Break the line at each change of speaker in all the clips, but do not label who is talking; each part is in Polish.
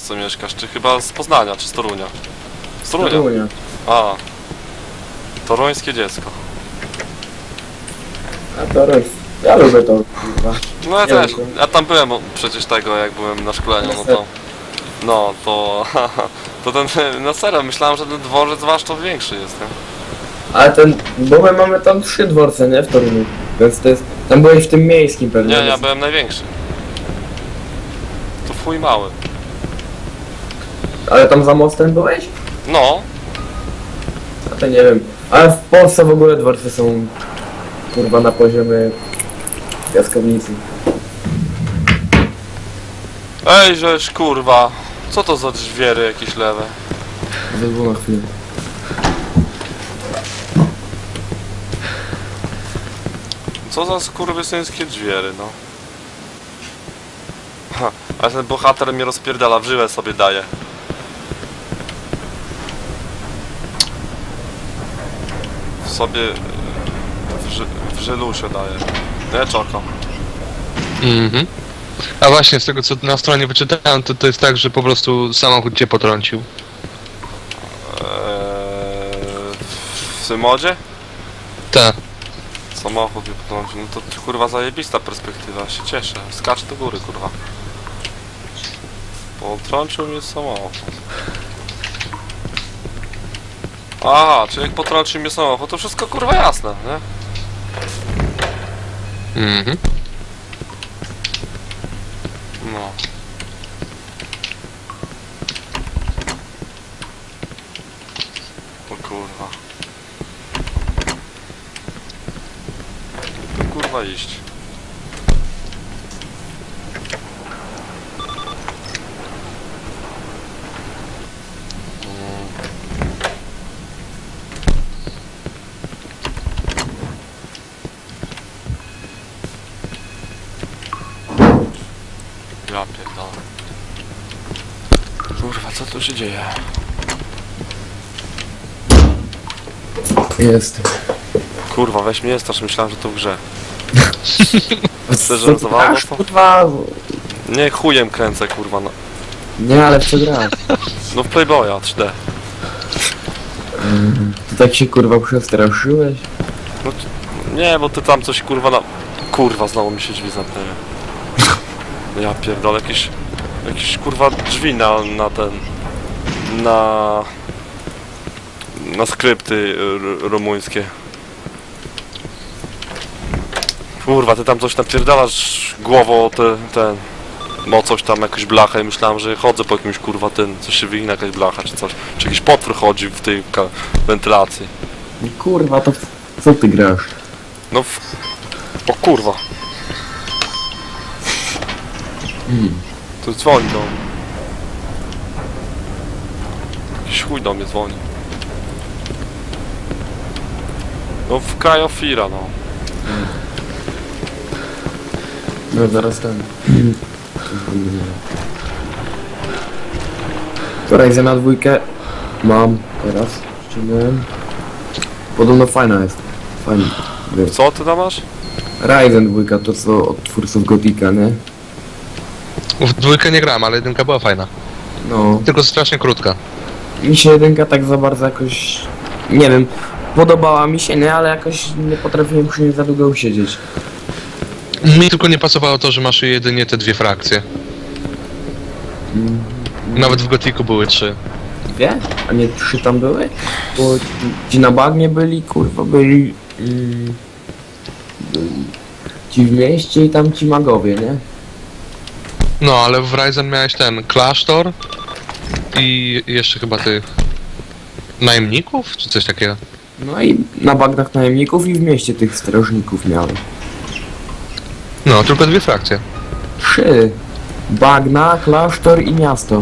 co mieszkasz, czy chyba z Poznania, czy z Torunia? Z Torunia.
Torunia.
A. Toruńskie dziecko.
A Toruń. Ja lubię to, kurwa.
No ja
Nie
też.
wiem.
Ja tam byłem przecież tego, jak byłem na szkoleniu, no to... No to... To ten... Na serio, myślałem, że ten dworzec wasz to większy jest, nie?
Ale bo my mamy tam 3 dworce, nie? W Toruniu. Więc to jest... Tam byłeś w tym miejskim pewnie.
Nie, ja
więc-
byłem największy. To w chuj mały.
Ale tam za mostem byłeś?
No.
A to nie wiem. Ale w Polsce w ogóle dworce są... Kurwa na poziomie... Piaskownicy.
Ej, żeż kurwa. Co to za drzwiery jakieś lewe?
Zezwól na chwilę.
Co za skurwysyńskie drzwiery, no. Ha, ale ten bohater mnie rozpierdala, w żyłę sobie daje. W sobie... W żylusie daje. Nie, czoko.
Mhm. A właśnie, z tego co na stronie wyczytałem, to jest tak, że po prostu samochód cię potrącił.
W tym modzie?
Tak.
Samochód mnie potrącił, no to kurwa zajebista perspektywa, się cieszę. Skacz do góry, kurwa. Potrącił mnie samochód. Aha, czyli jak potrącił mnie samochód, to wszystko kurwa jasne, nie?
Mhm.
No. O kurwa. To kurwa iść. Ja pierdolę. Kurwa, co tu się dzieje?
Jest.
Kurwa, weź mnie strasz, myślałem, że to w grze.
Co
żartowało
grasz,
to?
kurwa?
Nie, chujem kręcę, kurwa, no.
Nie, ale w co grasz?
No w Playboya 3D.
Ty tak się kurwa przestraszyłeś?
No, nie, bo ty tam coś, kurwa, na... Kurwa, znowu mi się drzwi zamknęły. Ja pierdolę, jakieś kurwa drzwi na ten... Na skrypty rumuńskie. Kurwa, ty tam coś napierdalasz głową o ten... No coś tam, jakąś blachę i myślałem, że chodzę po jakimś kurwa coś się wygina jakaś blacha czy coś. Czy jakiś potwór chodzi w tej wentylacji.
Kurwa, to co ty grasz?
No o kurwa. To dzwoni do mnie. Jakiś chuj do mnie dzwoni. No w Krajofira, no.
No zaraz ten. Ryzena dwójkę mam teraz. Ściągnąłem. Podobno fajna jest. Fajna.
Co ty tam masz?
Ryzen dwójka to co od twórców Gotika, nie?
W dwójkę nie grałem, ale jedynka była fajna.
No.
Tylko strasznie krótka.
Mi się jedynka tak za bardzo jakoś... Nie wiem. Podobała mi się, nie? Ale jakoś nie potrafiłem przy niej za długo usiedzieć.
Mi tylko nie pasowało to, że masz jedynie te dwie frakcje. Nawet w Gotiku były 3.
Dwie? A nie 3 tam były? Bo ci na bagnie byli, kurwa, byli... byli ci w mieście i tam ci magowie, nie?
No, ale w Ryzen miałeś ten klasztor i jeszcze chyba tych najemników, czy coś takiego.
No i na bagnach najemników i w mieście tych strażników miałem.
No, tylko dwie frakcje.
3. Bagna, klasztor i miasto.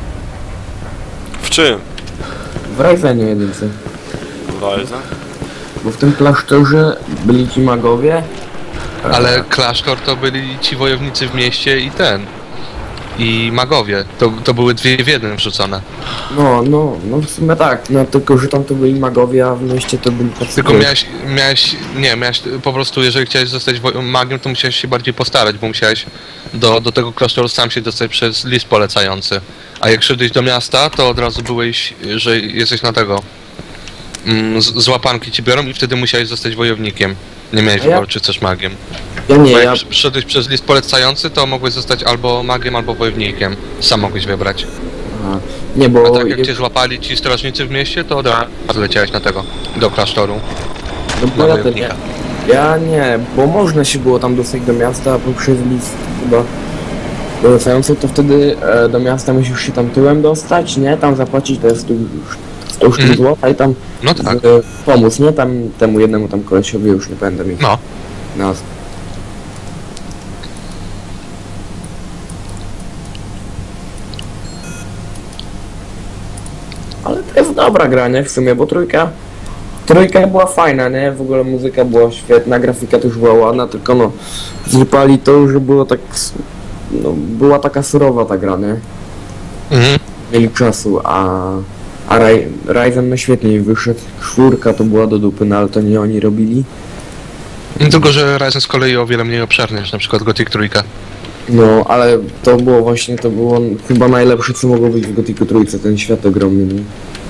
W czym?
W Ryzenie jedynce.
Ryzen?
Bo w tym klasztorze byli ci magowie.
Ale klasztor to byli ci wojownicy w mieście i ten. i magowie. To były dwie w jednym wrzucone.
No w sumie tak, no tylko że tam to byli magowie, a w mieście to byli tacy...
Tylko miałeś po prostu, jeżeli chciałeś zostać magiem, to musiałeś się bardziej postarać, bo musiałeś do tego klasztoru sam się dostać przez list polecający. A jak szedłeś do miasta, to od razu byłeś, że jesteś na tego. Z łapanki ci biorą i wtedy musiałeś zostać wojownikiem. Nie miałeś
A ja-
wyboru, czy chcesz magiem.
Ja nie,
Bo jak
ja...
szedłeś przez list polecający, to mogłeś zostać albo magiem, albo wojownikiem. Sam mogłeś wybrać.
Aha. Nie,
A
bo...
tak jak cię złapali ci strażnicy w mieście, to od razu leciałeś na tego, do klasztoru.
No bo
na
ja, ten,
wojownika.
ja nie, bo można się było tam dostać do miasta, a poprzez list chyba polecający, to wtedy do miasta musisz się tam tyłem dostać, nie? Tam zapłacić te 100 sztuk
Mhm.
złota i tam
No tak.
pomóc, nie? Tam temu jednemu tam kolesiowi, już nie będę mi
No.
nazw. Ale to jest dobra gra, nie? W sumie, bo trójka była fajna, nie? W ogóle muzyka była świetna, grafika też była ładna, tylko no zrypali to, że było tak... No, była taka surowa ta gra, nie?
Mhm.
Mieli czasu, a Ryzen no świetnie wyszedł. 4 to była do dupy, no ale to nie oni robili.
Tylko, że Ryzen z kolei o wiele mniej obszerny niż na przykład Gothic 3.
No, ale to było właśnie, to było chyba najlepsze, co mogło być w Gothicu trójce, ten świat ogromny, nie?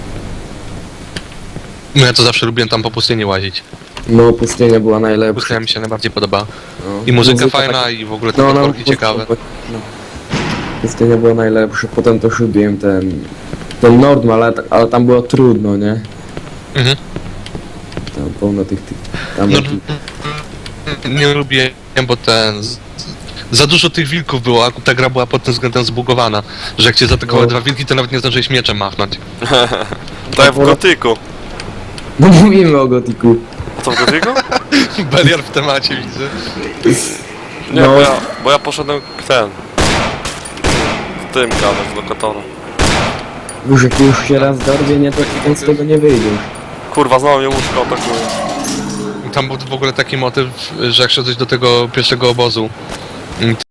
No ja to zawsze lubiłem tam po pustyni łazić.
No, pustynia była najlepsza.
Pustynia mi się najbardziej podoba.
No.
I muzyka fajna, i w ogóle te potworki ciekawe.
No. Pustynia była najlepsza, potem to lubiłem ten Nordm, ale tam było trudno, nie?
Mhm.
Tam pełno tych tam
No,
takich-
nie lubię, bo za dużo tych wilków było, a ta gra była pod tym względem zbugowana, że jak cię zaatakowały
No.
dwa wilki, to nawet nie zdążyłeś mieczem machnąć.
Tak jak w Gotyku.
No mówimy o Gothicu.
Co w Gotyku?
Beliar w temacie widzę.
Nie,
No.
bo ja poszedłem z tym gadać, z lokatora.
Już jak już się raz dorwie, nie, to potem z tego nie wyjdziesz.
Kurwa, znowu mnie łóżko atakuje.
Tam był w ogóle taki motyw, że jak szedłeś do tego pierwszego obozu,